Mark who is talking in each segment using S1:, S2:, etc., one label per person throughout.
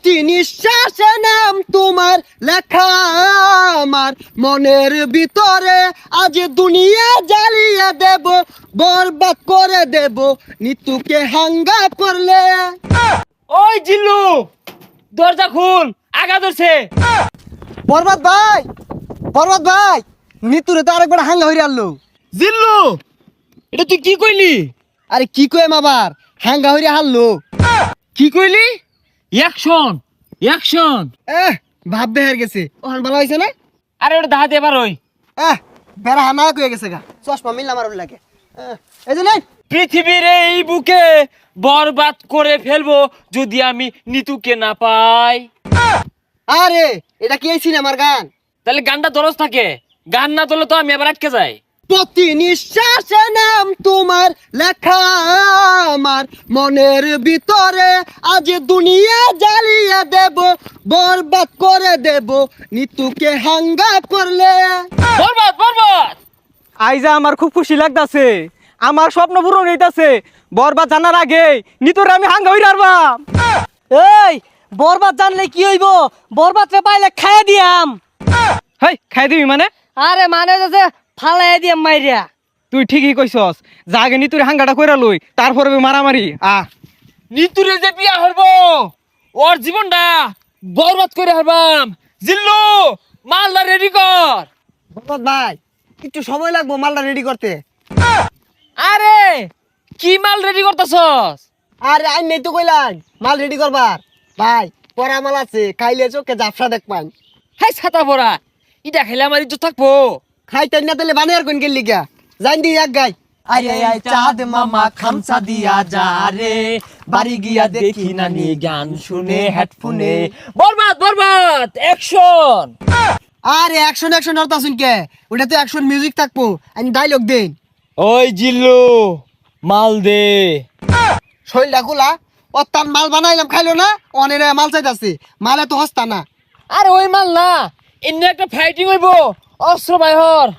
S1: প্রতি নিঃশ্বাসে নাম তোমার লেখা আমার মনের ভিতরে, আজ দুনিয়া জ্বালিয়ে দেব, বরবাদ করে দেব নিতুকে হাঙ্গা করলে।
S2: ওই জিল্লু, দরজা খুল, আগা ধরছে।
S1: বরবাদ ভাই, বরবাদ ভাই, নিতুরে তো আরেকবার হাঙ্গা হইরে আনলো।
S2: জিল্লু, এটা তুই কি কইলি?
S1: আরে কি কইম আবার, হাঙ্গা হইরে হারলো।
S2: কি কইলি? Action, action.
S1: ভাব বেহার গেছে, ওখান ভালো হয়েছে না?
S2: আরে ওটা দাহাতে এবার ওই
S1: বেড়া হানা কয়ে গেছে গা, চশমা মিললাম আর লাগে। এই যে নেই,
S2: পৃথিবীর এই বুকে বরবাদ করে ফেলবো যদি আমি নিতুকে না পাই।
S1: আরে এটা কি এই সিনেমার গান?
S2: তাহলে গানটা দরজ থাকে, গান না তোলে তো আমি এবার আটকে যাই।
S1: প্রতি নিঃশ্বাসে নাম তোমার লেখা আমার মনের ভিতরে, আজ দুনিয়া জ্বালিয়ে দেব, বরবাদ করে দেব নিতুকে হাঙ্গা করলে।
S2: বরবাদ, বরবাদ।
S3: আইজা আমার খুব খুশি লাগতাছে, আমার স্বপ্ন পূরণ হইতাছে। বরবাদ জানার আগে নিতরে আমি হাঙ্গা হই রারবাম।
S4: এই বরবাদ জানলে কি হইব? বরবাদ রে পাইলে খাইয়া দিয়াম।
S3: হেই খাই দিবি মানে?
S4: আরে মানে যে ফালাই দিয়াম মাইরিয়া।
S3: তুই ঠিকই কইছস, যা আগে নিতুরে হাঙ্গাটা কইরা লই, তারপরে মারামারি।
S2: নিতুরে যে বিয়া হইব, ওর জীবনটা বরবাদ করে হারবাম। জিল্লু, মালদা রেডি কর।
S1: বরবাদ ভাই, একটু সময় লাগবো মালটা রেডি করতে।
S2: আরে কি মাল রেডি করতেছস?
S1: আরে আই নেই তো কইলাম মাল রেডি করবার। ভাই পরা মাল আছে, খাইলে চোখে জাফসা দেখবান।
S2: হাই ছাতা পড়া, ইটা খেলে আমার ইজ্জত থাকবো।
S1: খাইতেন না তাহলে বানিয়ার কোন গেলি গা, জান দি এক গাই।
S5: আরে আয় চাঁদ মামা খামসা দিয়া যা রে, বাড়ি গিয়া দেখি নানি গান শুনে হেডফোনে।
S2: বরবাদ, বরবাদ, অ্যাকশন।
S1: আরে অ্যাকশন অ্যাকশন আর তাসুন কে, ওটা তো অ্যাকশন মিউজিক থাকবো, আমি ডায়লগ দেন।
S2: ওই জিল্লু, মাল দে।
S1: শৈলটা গুলা ও তার মাল বানাইলাম খাইলো না, অনেক মাল চাইতাছে, মালে তো হস্তা না।
S2: আরে ওই মাল না, এমনি একটা ফাইটিং হইব, অস্ত্র বাইহর।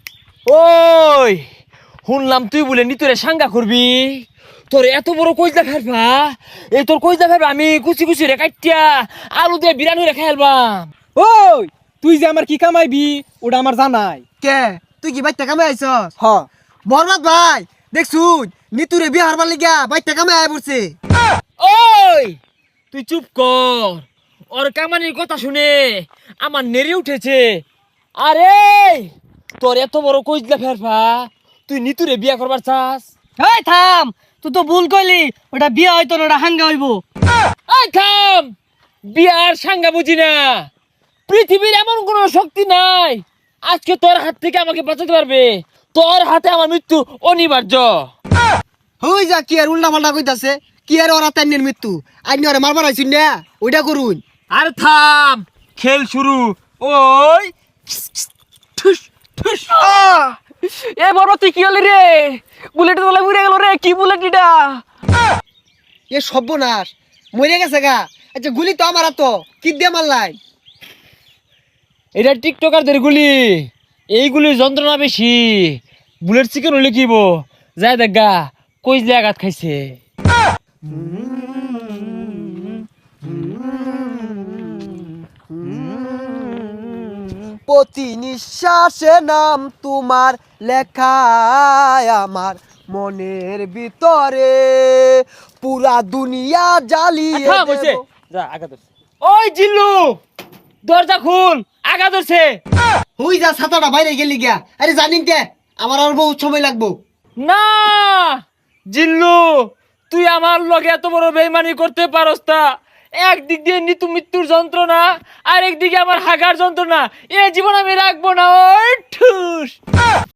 S2: ওই শুনলাম তুই বলে নিতরে সাঙ্গা করবি, তোর এত বড় কইজা ফেলবা, এই তোর কইজা ফেলবা আমি কুচি কুচি রে কাটিয়া আলু দিয়ে বিরানি রে খাইলবাম।
S3: ওই তুই যে আমার কি কামাইবি ওটা আমার জানাই।
S1: কে তুই কি বাইতে কামে আইছস?
S3: হ,
S1: বরবাদ ভাই দেখছুন নিতুরে বিয়ে হারবার লিগা বাইতে কামে আয় পড়ছে।
S2: ওই তুই চুপ কর, ওর কামানির কথা শুনে আমার নেড়ে উঠেছে। আরে তোর এত বড় কইজলা ফেরফা, তুই নিতুরে বিয়া করবার চাস?
S4: এই থাম, তুই তো ভুল কইলি, ওটা বিয়া হইতো না, ওটা হাঙ্গা হইব।
S2: এই থাম, বিয়ার সাঙ্গা বুঝি না। পৃথিবীর এমন কোনো শক্তি নাই আজকে তোর হাত থেকে আমাকে বাঁচাতে পারবে। তোর হাতে আমার মৃত্যু অনিবার্য।
S1: হই যা কি আর উল্টা পাল্টা কইতাছে, কি আর ওরা তাইনের মৃত্যু, আইনি ওরা মারবার আইছুন না, ওইটা করুন।
S2: আর থাম, খেল শুরু। ওই ঠুস ঠুস।
S3: এ বরবাদ তুই কি হলি রে? বুলেট তোলা উড়ে গেল রে, কি বুলেট এটা?
S1: এ সর্বনাশ, মরে গেছে গা। আচ্ছা গুলি তো আমার তো কি দিয়ে মারলাই?
S2: এটা টিকটকারদের গুলি, এইগুলির যন্ত্রণা বেশি। বুলেট চিকেন হলে কিব যায় দেখা কইজলে আঘাত খাইছে।
S1: প্রতি নিঃশ্বাসে নাম তোমার লেখা আমার মনের ভিতরে, পুরা দুনিয়া জ্বালিয়ে
S2: থাম হইছে,
S1: দেব।
S2: যা আঘাত ধরছে। ওই জিল্লু, দরজা খুল, আঘাত ধরছে।
S1: হই যা ছাতাটা বাইরে গেলি গা। আরে জানিন কে আমার আর বহুত সময় লাগবো।
S2: না জিল্লু, তুই আমার লগে এত বড় বেইমানি করতে পারস না। একদিক দিয়ে নিতু মৃত্যুর যন্ত্রণা, আর একদিকে আমার হাগার যন্ত্রণা, এ জীবন আমি রাখবো না। ওই ঠুস।